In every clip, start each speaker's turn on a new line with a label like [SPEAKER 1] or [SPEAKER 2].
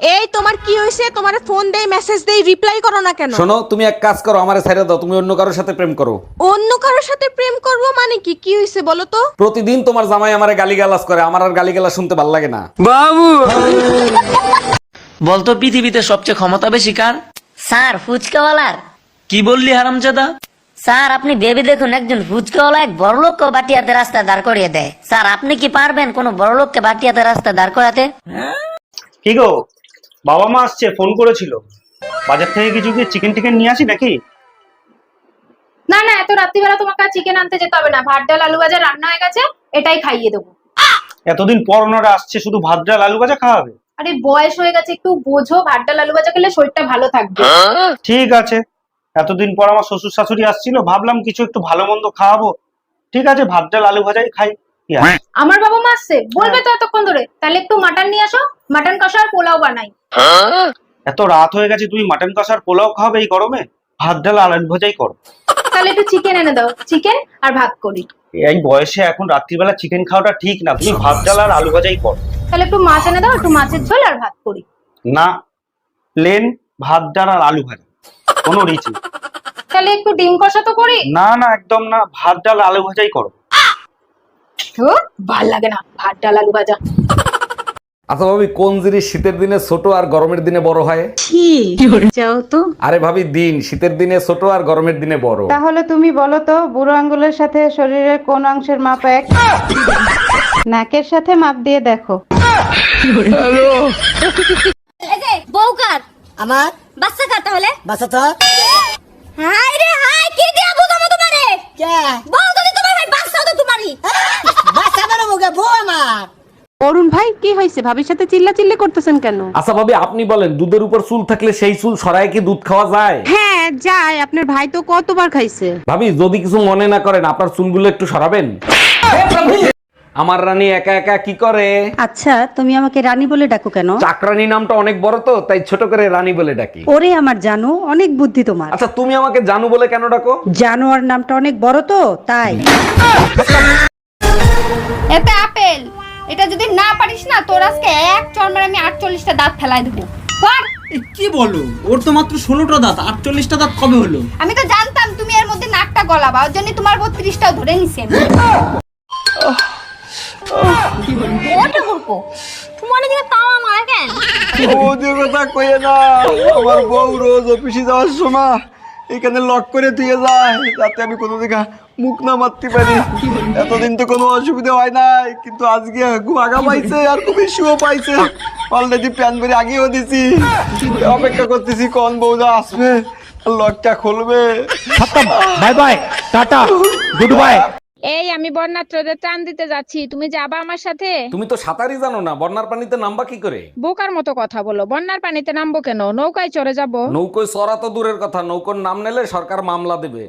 [SPEAKER 1] এই তোমার কি হইছে? তোমারে ফোন দেই, মেসেজ দেই, রিপ্লাই করো না কেন?
[SPEAKER 2] শোনো, তুমি এক কাজ করো, আমারে ছেড়ে দাও, তুমি অন্য কারোর সাথে প্রেম করো।
[SPEAKER 1] অন্য কারোর সাথে প্রেম করব মানে কি? কি হইছে বলো তো?
[SPEAKER 2] প্রতিদিন তোমার জামাই আমারে গালিগালাজ করে, আমার আর গালিগালাজ শুনতে ভালো লাগে না।
[SPEAKER 3] বাবু বলতো পৃথিবীতে সবচেয়ে ক্ষমতা বেশি কার?
[SPEAKER 4] স্যার ফুচকাওয়ালার।
[SPEAKER 3] কি বললি হারামজাদা?
[SPEAKER 4] স্যার আপনি ভেবে দেখুন, একজন ফুচকাওয়ালা এক বড়লোককে বাটিয়াতে রাস্তায় দাঁড় করিয়ে দেয়। স্যার আপনি কি পারবেন কোন বড়লোককে বাটিয়াতে রাস্তায় দাঁড় করাতে?
[SPEAKER 5] কি গো, বাবা মা আসছে, ফোন করেছিল। বাজার থেকে কিছু কি চিকেন টিকেন নিয়ে আসি নাকি?
[SPEAKER 6] না না, এত রাত্রিবেলা তোমাকে চিকেন আনতে যেতে হবে না, ভাত ডাল আলু ভাজা রান্না হয়ে গেছে, এটাই খাইয়ে দেবো।
[SPEAKER 5] এতদিন পর ওনারা আসছে, শুধু ভাত ডাল আলু ভাজা খাওয়াবে?
[SPEAKER 6] আরে বয়স হয়ে গেছে, একটু বোঝো, ভাত ডাল আলু ভাজা খেলে শরীরটা ভালো থাকবে।
[SPEAKER 5] ঠিক আছে, এতদিন পর আমার শ্বশুর শাশুড়ি আসছিল, ভাবলাম কিছু একটু ভালো মন্দ খাওয়াবো। ঠিক আছে, ভাত ডাল আলু ভাজাই খাই। কি আছে?
[SPEAKER 6] আমার বাবা মা আসছে, বলবে তো এতক্ষণ ধরে, তাহলে একটু মাটন নিয়ে আসো, মাটন কষা আর পোলাও বানাই।
[SPEAKER 5] এত রাত হয়ে গেছে, তুমি মাটন কষার পোলাও খাওয়াবে এই গরমে? ভাত ডাল আলু ভাজাই করো।
[SPEAKER 6] তাহলে একটু চিকেন এনে দাও, চিকেন আর ভাত করি।
[SPEAKER 5] এই বয়সে এখন রাত্রিবেলা চিকেন খাওয়াটা ঠিক না, তুমি ভাত ডাল আর আলু ভাজাই করো।
[SPEAKER 6] তাহলে একটু মাছ এনে দাও, একটু মাছের ঝোল আর ভাত করি।
[SPEAKER 5] না, প্লেন ভাত ডাল আর আলু ভাজা, কোনো রিচ নেই।
[SPEAKER 6] তাহলে একটু ডিম কষা তো করি।
[SPEAKER 5] না না, একদম না, ভাত ডাল আলু ভাজাই করো।
[SPEAKER 6] ভাল লাগে না ভাত ডাল আলু ভাজা।
[SPEAKER 2] আচ্ছা ভাবি, কোন জিনিস শীতের দিনে ছোট আর গরমের দিনে বড় হয়?
[SPEAKER 7] যাও তো।
[SPEAKER 2] আরে ভাবি, দিন শীতের দিনে ছোট আর গরমের দিনে বড়।
[SPEAKER 7] তাহলে তুমি বলো তো, বুড়ো আঙ্গুলের সাথে শরীরের কোন অংশের মাপ এক? নাকের সাথে মাপ দিয়ে দেখো।
[SPEAKER 8] বউকার
[SPEAKER 4] আমার
[SPEAKER 8] বাচ্চা কার তাহলে
[SPEAKER 4] বাসা তো
[SPEAKER 8] হাই রে হাই, কি দিয়া বুঝাবো তোমারে?
[SPEAKER 4] কে
[SPEAKER 8] বউ যদি তোমার ভাই বাচ্চা তো তোমারই।
[SPEAKER 4] বাসা বড় মুখে বউ আমার।
[SPEAKER 7] অরুণ ভাই, কি হয়েছে? ভাবির সাথে চিল্লাচিল্লি করতেছেন কেন?
[SPEAKER 2] আচ্ছা ভাবি, আপনি বলেন, দুধের উপর চুল থাকলে সেই চুল সরায় কি দুধ খাওয়া যায়?
[SPEAKER 7] হ্যাঁ যায়, আপনার ভাই তো কতবার খাইছে।
[SPEAKER 2] ভাবি, যদি কিছু মনে না করেন, আপনার চুলগুলো একটু সরাবেন। আমার রানী একা একা কি করে?
[SPEAKER 7] আচ্ছা, তুমি আমাকে রানী বলে ডাকো কেন?
[SPEAKER 2] চাকরানী নামটা অনেক বড় তো, তাই ছোট করে রানী বলে ডাকি।
[SPEAKER 7] ওরে আমার জানো, অনেক বুদ্ধি তোমার।
[SPEAKER 2] আচ্ছা, তুমি আমাকে জানু বলে কেন ডাকো?
[SPEAKER 7] জানোয়ার নামটা অনেক বড় তো, তাই।
[SPEAKER 8] এতে আপেল, এটা যদি না পারিস না, তোর আজকে এক চড়মের আমি 48টা দাঁত ফেলাই দেবো। কর।
[SPEAKER 3] কি বলো, ওর তো মাত্র 16টা দাঁত, 48টা দাঁত কবে হলো?
[SPEAKER 8] আমি তো জানতাম তুমি এর মধ্যে নাকটা গলাবা, ওর জন্য তোমার 32টাও ধরে নিছি আমি। ওটা করবো তোমার দিকে তাওয়া মারা কেন?
[SPEAKER 9] ওদের কথা কইে না, আমার বউ রোজ অফিসে যাওয়ার সময় এখানে লক করে দিয়ে যায়, যাতে আমি কোনো দিকে মুখ না মারতে পারি। এতদিন তো কোনো অসুবিধা হয় নাই, কিন্তু আজকে খুব আগা পাইছে আর খুব ইস্যুও পাইছে। অলরেডি প্যান করে আগেও দিছি, অপেক্ষা করতেছি কোন বউদা আসবে আর লকটা খুলবে।
[SPEAKER 3] Bye bye, tata, good bye.
[SPEAKER 1] এই আমি বন্যাত্রদের ত্রাণ দিতে যাচ্ছি, তুমি যাবা আমার সাথে?
[SPEAKER 2] তুমি তো সাঁতারই জানো না, বন্যার পানিতে নামবা কি করে?
[SPEAKER 1] বোকার মতো কথা বলো, বন্যার পানিতে নামবো কেন? নৌকায় চড়ে যাব।
[SPEAKER 2] নৌকোয় চড়া তো দূরের কথা, নৌকোর নাম নিলে সরকার মামলা দেবে।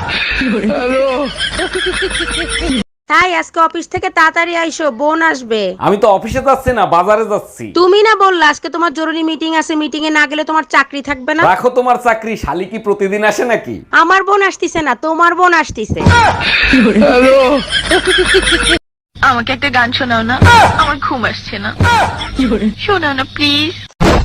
[SPEAKER 7] তাই আজকে অফিস থেকে তাড়াতাড়ি আইসো, বোন আসবে।
[SPEAKER 2] আমি তো অফিসে যাচ্ছি না, বাজারে যাচ্ছি।
[SPEAKER 7] তুমি না বললা আজকে তোমার জরুরি মিটিং আছে, মিটিং এ না গেলে তোমার চাকরি থাকবে না?
[SPEAKER 2] রাখো তোমার চাকরি, শালি কি প্রতিদিন আসে নাকি?
[SPEAKER 7] আমার বোন আসতিছে না, তোমার বোন আসতিছে।
[SPEAKER 10] আমাকে একটা গান শোনাও না, আমার ঘুম আসছে না। শোনাও না প্লিজ।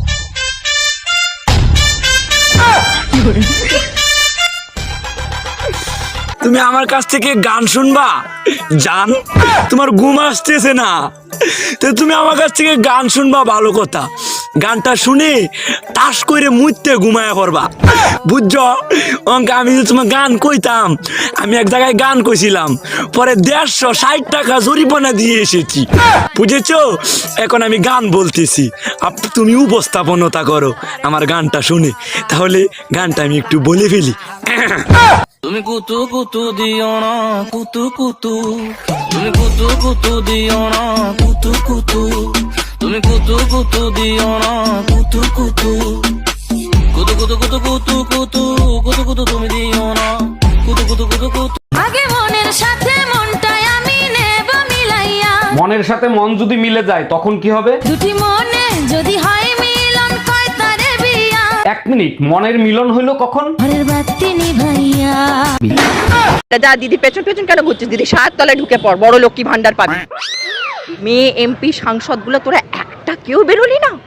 [SPEAKER 3] তুমি আমার কাছ থেকে গান শুনবা জান? তোমার ঘুম আসতেছে না, তো তুমি আমার কাছ থেকে গান শুনবা, ভালো কথা। গানটা শুনে তাস করে মুইতে ঘুমায়া পড়বা, বুঝছো? অঙ্কে আমি যে তোমার গান কইতাম, আমি এক জায়গায় গান কইছিলাম, পরে 160 টাকা জরিমানা দিয়ে এসেছি, বুঝেছো? এখন আমি গান বলতেছি, তুমি উপস্থাপনতা করো আমার গানটা শুনে। তাহলে গানটা আমি একটু বলে ফেলি। তুমি কুতু কুতু দিও না, কুতু কুতু, তুমি কুতু কুতু দিও না, কুতু কুতু, তুমি কুতু কুতু দিও না, কুতু কুতু, কুতু কুতু কুতু কুতু কুতু কুতু কুতু, তুমি দিও না, কুতু কুতু কুতু কুতু।
[SPEAKER 8] আগে মনের সাথে মনটাই আমি নেব মিলাইয়া,
[SPEAKER 2] মনের সাথে মন যদি মিলে যায় তখন কি হবে?
[SPEAKER 8] দুটি মনে যদি হয় মিলন, কয় তারে বিয়া।
[SPEAKER 2] 1 মিনিট, মনের মিলন হইলো কখন?
[SPEAKER 8] ঘরের বাতি নিভাইয়া।
[SPEAKER 1] যা দিদি, পেছন পেছন কেন ঘুরছিস দিদি? 7 তলায় ঢুকে পড়, বড় লক্ষ্মী ভান্ডার পাবি। মেয়ে এমপি সাংসদ গুলো তোরা একটা কেউ বেরোলি না,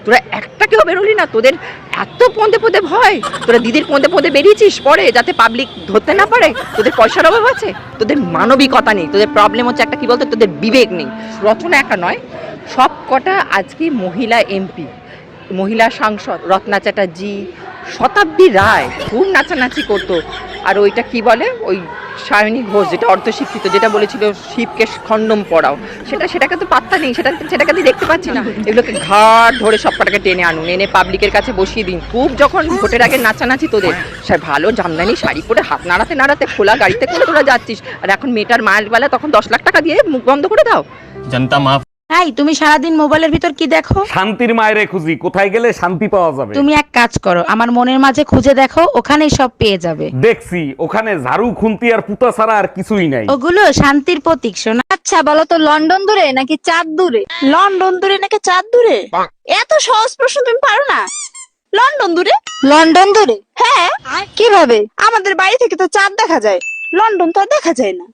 [SPEAKER 1] তোরা একটাকেও বেরোলি না, তোদের এত পদে পদে ভয়, তোরা দিদির পদে পদে বেরিয়েছিস পরে যাতে পাবলিক ধরতে না পারে, তোদের পয়সার অভাব আছে, তোদের মানবিকতা নেই, তোদের প্রবলেম হচ্ছে একটা কি বলতো, তোদের বিবেক নেই। রচনা একা নয়, সব কটা আজকে মহিলা এমপি, মহিলা সাংসদ, রত্না চ্যাটার্জি, শতাব্দী রায় খুব নাচানাচি করতো। আর ওইটা কি বলে, ওই সায়নী ঘোষ যেটা অর্ধশিক্ষিত, যেটা বলেছিল শিবকে খণ্ডম পড়াও, সেটাকে তো পাত্তা নেই, সেটাকে আমি দেখতে পাচ্ছি না। এগুলোকে ঘাট ধরে সব কটাকে টেনে আনুন, এনে পাবলিকের কাছে বসিয়ে দিন। খুব যখন ভোটের আগে নাচানাচি তোদের, সে ভালো জামদানি শাড়ি পরে হাত নাড়াতে নাড়াতে খোলা গাড়িতে করে তোরা যাচ্ছিস, আর এখন মেয়েটার মায়ের বেলা তখন 10 লাখ টাকা দিয়ে মুখ বন্ধ করে দাও।
[SPEAKER 9] জনতা মাফ।
[SPEAKER 11] হাই, তুমি সারাদিন মোবাইলের ভিতর কি দেখো?
[SPEAKER 2] শান্তির মায়েরে খুঁজি, কোথায় গেলে শান্তি পাওয়া যাবে।
[SPEAKER 11] তুমি এক কাজ করো, আমার মনের মাঝে খুঁজে দেখো, ওখানেই সব পেয়ে যাবে।
[SPEAKER 2] দেখছি ওখানে ঝাড়ু খুন্তি আর পুতা ছাড়া আর কিছুই নাই।
[SPEAKER 11] ওগুলো শান্তির প্রতীক শোনা।
[SPEAKER 8] আচ্ছা বলো তো, লন্ডন দূরে নাকি চাঁদ দূরে?
[SPEAKER 11] লন্ডন দূরে নাকি চাঁদ দূরে?
[SPEAKER 8] এত সহজ প্রশ্ন তুমি পারো না?
[SPEAKER 11] লন্ডন দূরে?
[SPEAKER 8] লন্ডন দূরে?
[SPEAKER 11] হ্যাঁ।
[SPEAKER 8] কিভাবে?
[SPEAKER 11] আমাদের বাড়ি থেকে তো চাঁদ দেখা যায়, লন্ডন তো আর দেখা যায় না।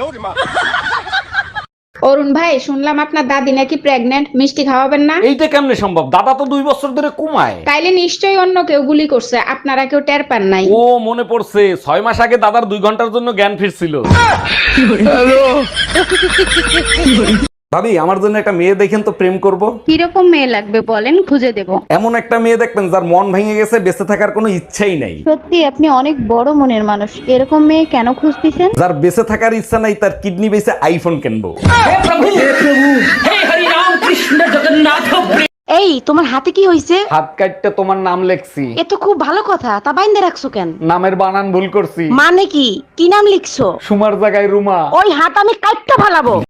[SPEAKER 6] অরুণ ভাই, শুনলাম আপনার দাদি নাকি প্রেগনেন্ট, মিষ্টি খাওয়াবেন না?
[SPEAKER 2] এইটা কেমনে সম্ভব? দাদা তো 2 বছর ধরে কমায়।
[SPEAKER 6] তাইলে নিশ্চয়ই অন্য কেউ গুলি করছে, আপনারা কেউ টের পান নাই।
[SPEAKER 2] ও মনে পড়ছে, 6 মাস আগে দাদার 2 ঘন্টার জন্য জ্ঞান ফিরছিল। ভাবি, আমার জন্য একটা মেয়ে দেখেন তো, প্রেম করব।
[SPEAKER 7] কিরকম মেয়ে লাগবে বলেন, খুঁজে দেব।
[SPEAKER 2] এমন একটা মেয়ে দেখবেন যার মন ভেঙে গেছে, বেঁচে থাকার কোনো ইচ্ছাই নাই।
[SPEAKER 7] সত্যি আপনি অনেক বড় মনের মানুষ, এরকম মেয়ে কেন খুঁজতেছেন?
[SPEAKER 2] যার বেঁচে থাকার ইচ্ছা নাই, তার কিডনি বেঁচে আইফোন কিনবো।
[SPEAKER 11] এই, তোমার হাতে কি হইছে?
[SPEAKER 2] হাত কাটতে তোমার নাম লেখছি।
[SPEAKER 11] এ তো খুব ভালো কথা, তা বাইন্দে রাখছো কেন?
[SPEAKER 2] নামের বানান ভুল করছি।
[SPEAKER 11] মানে কি? কি নাম লিখছো?
[SPEAKER 2] সুমার জায়গায় রুমা।
[SPEAKER 11] ওই হাত আমি কাটতে ফালাবো।